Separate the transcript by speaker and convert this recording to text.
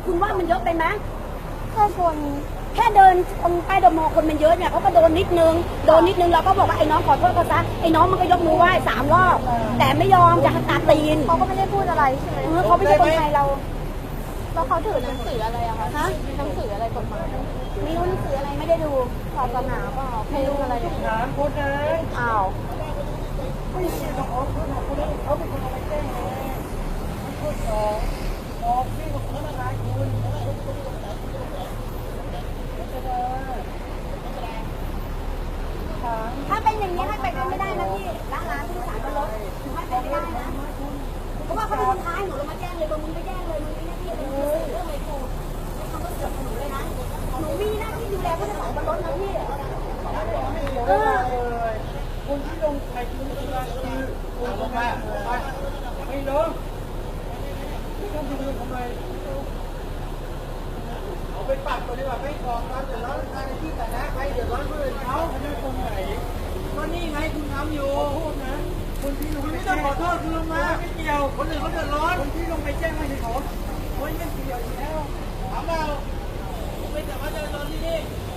Speaker 1: คุณว่ามันเยอะไปไหม
Speaker 2: แค่คน
Speaker 1: แค่เดินตรงใต้เดอะมอลล์คนมันเยอะเนี่ยเขาก็โดนนิดนึงเราก็บอกว่าไอ้น้องขอโทษเขาซะไอ้น้องมันก็ยกมือไหว้3 รอบแต่ไม่ยอมจะตัดตีน
Speaker 2: เขาก็ไม่ได้พูดอะไรใช่ไหม
Speaker 1: เขาไม่ใช่คนไทยเรา
Speaker 2: แล้วเขาถือหนังสืออะไรอะคะฮะหนังสืออะไรกฎหมาย
Speaker 1: ไม่รู้หนังสืออะไรไม่ได้ดู
Speaker 2: ศาสนาเปล่าไม่รู้อะไรเลย
Speaker 3: ถามคนนะ
Speaker 1: อ้าว
Speaker 3: ไม่ใช่ต้องเขาเป็นคนเอาไปแจ้งข้อสองบอกพี่บอกเขาละลายคุณ
Speaker 1: ถ้าเป็นอย่างนี้ให้ไปกันไม่ได้นะพี่ร้านผู้โดยสารก็ลดให้ไปไม่ได้นะเพราะว่าเขาเป็นคนท้ายหนูลงมาแจ้งเลยมึงไปแจ้งเลยมึงมีหน้าที่อะไรเรื่องอะไรกูไม่ทำก็เสือกหนูเลยนะหนูมีหน้าที่ดูแลผู้โดยสารบนรถนะพี่
Speaker 3: คนที่ลงใครคือคุณลงมาไม่ลงไม่ต้องไปดูทำไมเอาไปปัดตัวดีกว่าไม่บอกความเดือดร้อนในที่แต่ละใครเดือดร้อนคนอื่นเขาไม่ตรงไหนก็นี่ไงคุณทำอยู่พูดนะคนที่ลงไม่ต้องขอโทษคุณลงมาไม่เกี่ยวคนอื่นเขาเดือดร้อนคนที่ลงไปแจ้งไม่ใช่เขาโอ้ยยังเกี่ยวอยู่แล้วถามเราไม่แต่ว่าเดือดร้อนที่นี่